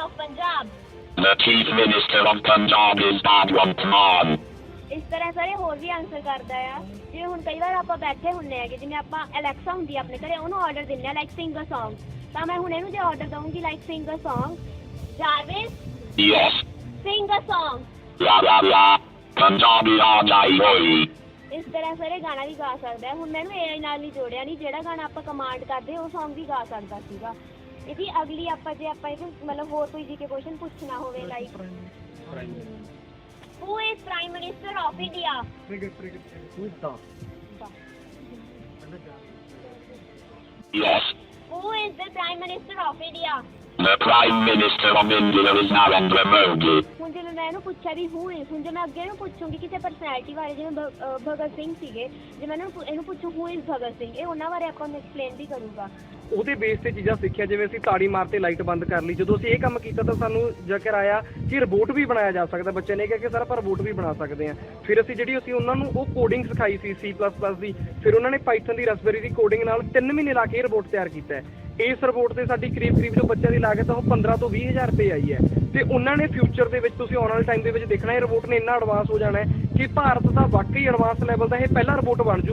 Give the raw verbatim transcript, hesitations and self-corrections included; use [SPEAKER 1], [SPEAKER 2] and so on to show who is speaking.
[SPEAKER 1] of Punjab?
[SPEAKER 2] The Chief Minister of Punjab is Bhagwant Mann.
[SPEAKER 1] ਇਸ ਤਰ੍ਹਾਂ ਸਾਰੇ ਹੋਰ ਵੀ ਆਨਸਰ ਕਰਦਾ ਆ। ਜਿਵੇਂ ਹੁਣ ਕਈ ਵਾਰ ਆਪਾਂ ਬੈਠੇ ਹੁੰਦੇ ਹੈਗੇ, ਜਿਵੇਂ ਆਪਾਂ ਅਲੈਕਸਾ ਹੁੰਦੀ ਆ ਆਪਣੇ ਘਰੇ, ਉਹਨੂੰ ਆਰਡਰ ਦਿੰਦੇ ਆ ਲਾਈਕ ਸਿੰਗ ਅ ਸੌਂਗ, ਤਾਂ ਮੈਂ ਹੁਣ ਇਹਨੂੰ ਜੇ ਆਰਡਰ ਦਊਂਗੀ like sing a song, Jarvis
[SPEAKER 2] Yes.
[SPEAKER 1] Sing a song,
[SPEAKER 2] La la la. Punjabi aa jai hoy.
[SPEAKER 1] ਇਸ ਤਰ੍ਹਾਂ ਸਾਰੇ ਗਾਣਾ ਵੀ ਗਾ ਸਕਦਾ ਹੈ। ਹੁਣ ਮੈਨੂੰ ਏ ਆਈ ਨਾਲ ਨਹੀਂ ਜੋੜਿਆ, ਨਹੀਂ ਜਿਹੜਾ ਗਾਣਾ ਆਪਾਂ ਕਮਾਂਡ ਕਰਦੇ ਉਹ ਸੌਂਗ ਵੀ ਗਾ ਸਕਦਾ ਸੀਗਾ। ਇਹਦੀ ਅਗਲੀ ਆਪਾਂ ਜੇ ਆਪਾਂ ਇਹ ਮਤਲਬ ਹੋਰ ਕੋਈ ਜੀ ਕੇ ਕੁਐਸਚਨ ਪੁੱਛਣਾ ਹੋਵੇ like who is prime minister of India?
[SPEAKER 2] Yes.
[SPEAKER 1] Who is the prime minister of India?
[SPEAKER 2] The Prime Minister of India is Narendra Modi.
[SPEAKER 1] ਹੁਣ ਜਿਵੇਂ ਮੈਂ ਇਹਨੂੰ ਪੁੱਛਿਆ ਵੀ ਹੂ ਇਜ਼, ਹੁਣ ਜੇ ਮੈਂ ਅੱਗੇ ਇਹਨੂੰ ਪੁੱਛੂੰਗੀ ਕਿਸੇ ਪਰਸਨੈਲਿਟੀ ਬਾਰੇ, ਜਿਵੇਂ ਭ- ਅਹ ਭਗਤ ਸਿੰਘ ਸੀਗੇ, ਜੇ ਮੈਂ ਇਹਨੂੰ ਇਹਨੂੰ ਪੁੱਛੂ ਹੂ ਇਜ਼ ਭਗਤ ਸਿੰਘ, ਇਹ ਉਹਨਾਂ ਬਾਰੇ ਆਪਾਂ ਨੂੰ ਐਕਸਪਲੇਨ ਵੀ ਕਰੂਗਾ।
[SPEAKER 3] ਉਹਦੇ ਬੇਸ ਤੇ ਚੀਜ਼ਾਂ ਸਿੱਖਿਆ, ਜਿਵੇਂ ਅਸੀਂ ਤਾੜੀ ਮਾਰ ਤੇ ਲਾਈਟ ਬੰਦ ਕਰ ਲਈ, ਜਦੋਂ ਅਸੀਂ ਇਹ ਕੰਮ ਕੀਤਾ ਤਾਂ ਸਾਨੂੰ ਜ਼ਿਕਰ ਆਇਆ ਕਿ ਰੋਬੋਟ ਵੀ ਬਣਾਇਆ ਜਾ ਸਕਦਾ। ਬੱਚੇ ਨੇ ਕਿਹਾ ਕਿ ਸਰ ਆਪਾਂ ਰੋਬੋਟ ਵੀ ਬਣਾ ਸਕਦੇ ਹਾਂ। ਫਿਰ ਅਸੀਂ ਜਿਹੜੀ ਅਸੀਂ ਉਹਨਾਂ ਨੂੰ ਉਹ ਕੋਡਿੰਗ ਸਿਖਾਈ ਸੀ ਸੀ ਪਲੱਸ ਪਲੱਸ ਦੀ, ਫਿਰ ਉਹਨਾਂ ਨੇ ਪਾਈਥਨ ਦੀ ਰਸਬੇਰੀ ਦੀ ਕੋਡਿੰਗ ਨਾਲ ਤਿੰਨ ਮਹੀਨੇ ਲਾ ਕੇ ਇਹ ਰੋਬੋਟ ਤਿਆਰ ਕੀਤਾ ਹੈ। ਇਸ ਰੋਬੋਟ ਤੇ ਸਾਡੀ ਕਰੀਬ ਕਰੀਬ ਜੋ ਬੱਚਿਆਂ ਦੀ ਲਾਗਤ ਆ ਉਹ ਪੰਦਰਾਂ ਤੋਂ ਵੀਹ ਹਜ਼ਾਰ ਰੁਪਏ ਆਈ ਹੈ। ਤੇ ਉਹਨਾਂ ਨੇ ਫਿਊਚਰ ਦੇ ਵਿੱਚ, ਤੁਸੀਂ ਆਉਣ ਵਾਲੇ ਟਾਈਮ ਦੇ ਵਿੱਚ ਦੇਖਣਾ, ਇਹ ਰੋਬੋਟ ਨੇ ਇੰਨਾ ਐਡਵਾਂਸ ਹੋ ਜਾਣਾ ਹੈ ਕਿ ਭਾਰਤ ਦਾ ਵਾਕਈ ਐਡਵਾਂਸ ਲੈਵਲ ਦਾ ਇਹ ਪਹਿਲਾ ਰੋਬੋਟ ਬਣ ਜੂ